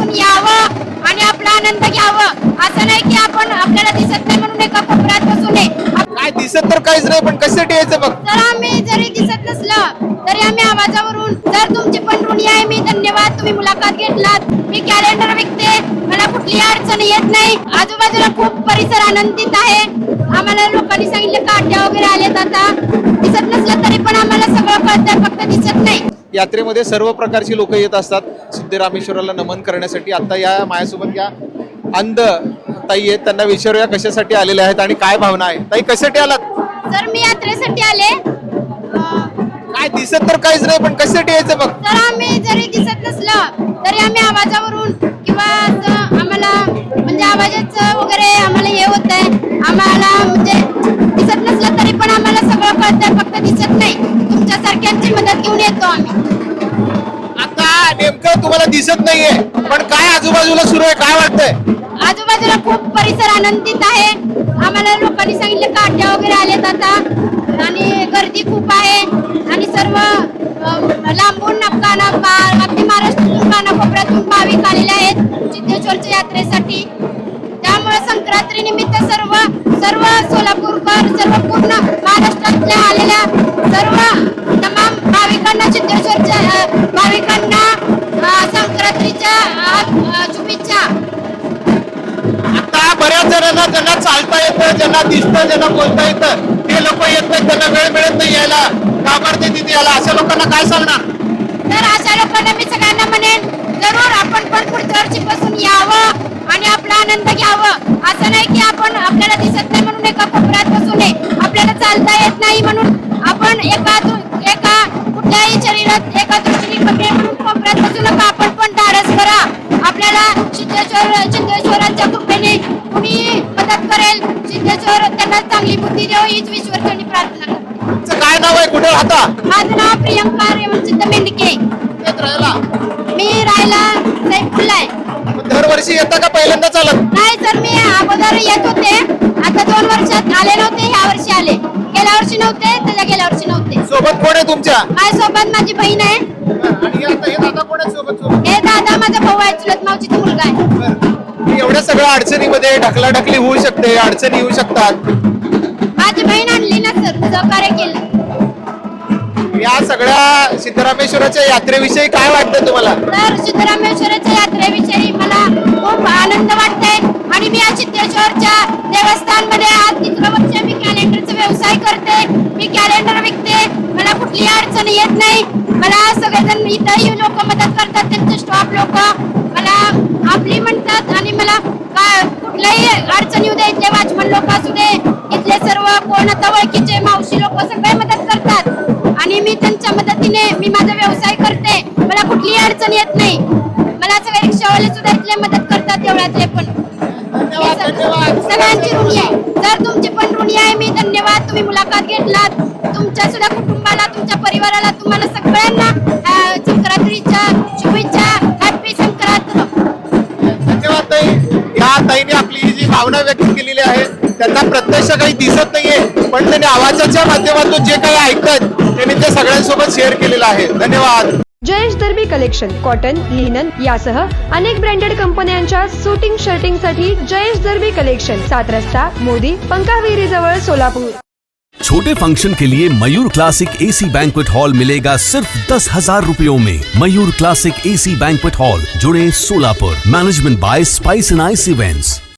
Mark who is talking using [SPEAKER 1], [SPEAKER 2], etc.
[SPEAKER 1] बसून यावं आणि आपला आनंद घ्यावं. असं नाही की आपण आपल्याला दिसत नाही म्हणून एका कोपऱ्यात बसू नये.
[SPEAKER 2] काय दिसत तर काहीच नाही, पण कशासाठी यायचं बघ.
[SPEAKER 1] जर आम्ही जरी दिसत नसलं तरी आम्ही आवाजावरून, जर तुमची पण ऋणी आहे मी, धन्यवाद तुम्ही मुलाखत घेतलात. मी कॅलेंडर विकते, मला कुठली अडचण येत नाही. आजूबाजूला खूप परिसर आनंदित आहे. आम्हाला लोकांनी सांगितलं काट्या वगैरे आलेत, आता दिसत नसलं तरी पण आम्हाला सगळं कळतंय, फक्त दिसत नाही.
[SPEAKER 2] यात्रेमध्ये सर्व प्रकारची लोक येत असतात सिद्धरामेश्वराला नमन करण्यासाठी. आता या माझ्यासोबत या अंध ताई आहेत, त्यांना विचारूया कशासाठी आलेले आहेत आणि काय भावना आहे. ताई कशासाठी आलात?
[SPEAKER 1] तर मी यात्रेसाठी आले.
[SPEAKER 2] काय दिसत तर काहीच नाही, पण कशासाठी यायचं बघ.
[SPEAKER 1] जर आम्ही जरी दिसत नसलं तरी आम्ही आवाजावरून किंवा आम्हाला म्हणजे आवाजाचं वगैरे आम्हाला हे होत आहे. आम्हाला म्हणजे दिसत नसलं तरी पण आम्हाला सगळं कळतंय, फक्त दिसत नाही. तुमच्यासारख्यांची मदत घेऊन येतो आम्ही.
[SPEAKER 2] आता नेमकं तुम्हाला दिसत नाहीये, पण काय आजूबाजूला सुरू आहे, काय वाटतंय?
[SPEAKER 1] आजूबाजूला खूप परिसर आनंदित आहे. आम्हाला लोकांनी सांगितलं काट्या वगैरे आलेत आता आणि गर्दी खूप आहे आणि सर्व लांबून अगदी महाराष्ट्रातून कानाकोपऱ्यातून भाविक आलेले आहेत सिद्धेश्वरच्या यात्रेसाठी. त्यामुळे संक्रांती निमित्त सर्व सोलापूरकर, सर्व पूर्ण महाराष्ट्रातल्या आलेल्या सर्व तमाम भाविकांना, सिद्धेश्वरच्या भाविकांना संक्रांतीच्या शुभेच्छा.
[SPEAKER 2] आता बऱ्याच जणांना ज्यांना चालता येतं, ज्यांना दिसतं, ज्यांना बोलता येतं, ते लोक येत नाहीत, त्यांना वेळ मिळत नाही यायला, का करते तिथे यायला, अशा लोकांना काय सांगणार?
[SPEAKER 1] तर अशा लोकांना मी सगळ्यांना म्हणेन, जरूर आपण पण पुढच्या वर्षीपासून यावं आणि आपला आनंद घ्यावं. असं नाही की आपण आपल्याला दिसत नाही म्हणून एका कोपऱ्यात बसू नये. आपल्याला चालता येत नाही म्हणून आपण एका कुठल्याही शरीरात एका दृष्टीने कमी म्हणून कोपऱ्यात बसू नका. आपण पण धाडस करा. आपल्याला सिद्धेश्वरांच्या कृपेने कुणी मदत करेल. सिद्धेश्वर त्यांना चांगली बुद्धी देव हीच ईश्वरचरणी प्रार्थना करते.
[SPEAKER 2] तुमचं काय नाव आहे, कुठे राहता?
[SPEAKER 1] माझं नाव प्रियंका रेवणसिद्ध मेंढके.
[SPEAKER 2] येत राहायला?
[SPEAKER 1] मी राहायला सैफुल्ला आहे.
[SPEAKER 2] दरवर्षी येता का पहिल्यांदा चालत?
[SPEAKER 1] नाही सर, मी अगोदर येत होते. आता 2 वर्षात आले नव्हते, ह्या वर्षी आले. गेल्या वर्षी नव्हते, त्याच्या गेल्या वर्षी नव्हते.
[SPEAKER 2] सोबत कोण आहे तुमच्या?
[SPEAKER 1] माझ्यासोबत माझी बहीण आहे.
[SPEAKER 2] आणि आता हे दादा कोण आहे सोबत?
[SPEAKER 1] हे दादा माझा भाऊ आहे, चुलत मावशीचा मुलगा आहे.
[SPEAKER 2] एवढ्या सगळ्या अडचणीमध्ये ढकलाढकली होऊ शकते, अडचणी येऊ शकतात.
[SPEAKER 1] माझी बहीण आणली ना सर, सहकार्य केलं.
[SPEAKER 2] या सगळ्या सिद्धरामेश्वराच्या यात्रेविषयी काय वाटतं तुम्हाला?
[SPEAKER 1] तर सिद्धरामेश्वराच्या यात्रेविषयी मला खूप आनंद वाटतोय आणि मी या सिद्धेश्वरच्या देवस्थानमध्ये आज 3रं वर्ष मी कॅलेंडरचा व्यवसाय करते. मी कॅलेंडर विकते, मला कुठली अडचण येत नाही. मला सगळेजण इथंही लोक मदत करतात, त्यांचे स्टॉप लोक मला आपली म्हणतात आणि मला कुठल्याही अडचण येऊ दे, इथले वॉचमन लोक असू दे, इथले सर्व कोण आता ओळखीचे मावशी लोक सगळे मदत करतात आणि मी त्यांच्या मदतीने मी माझा व्यवसाय करते. मला कुठलीही अडचण येत नाही. मला सगळे रिक्षावाले सुद्धा इथले मदत करतात, तेवढ्यातले पण. सगळ्यांची ऋणी आहे. जर तुमची पण ऋणी आहे मी, धन्यवाद तुम्ही मुलाखत घेतलात. तुमच्या सुद्धा कुटुंबाला, तुमच्या परिवाराला, तुम्हाला सगळ्यांना संक्रांतीच्या शुभेच्छा. हॅपी संक्रांत.
[SPEAKER 2] धन्यवाद ताई. या ताईने आपली जी भावना व्यक्त केलेली आहे, त्यांना प्रत्यक्ष काही दिसत नाहीये, पण त्यांनी आवाजाच्या माध्यमातून जे काही ऐकतात त्यांनी ते सगळ्यांसोबत शेअर केलेलं आहे. धन्यवाद.
[SPEAKER 3] Jayesh Darbi collection cotton, linen यासह अनेक ब्रँडेड कंपन्यांच्या सुटिंग शर्टिंग साठी जयेश दर्बी कलेक्शन, 7 रस्ता मोदी पंकाविरी जवळ सोलापूर.
[SPEAKER 4] छोटे फंक्शन के लिए Mayur Classic AC banquet hall मिलेगा सिर्फ 10,000 रुपयों में। Mayur Classic AC banquet hall, जुड़े Solapur. Management by spice and ice events.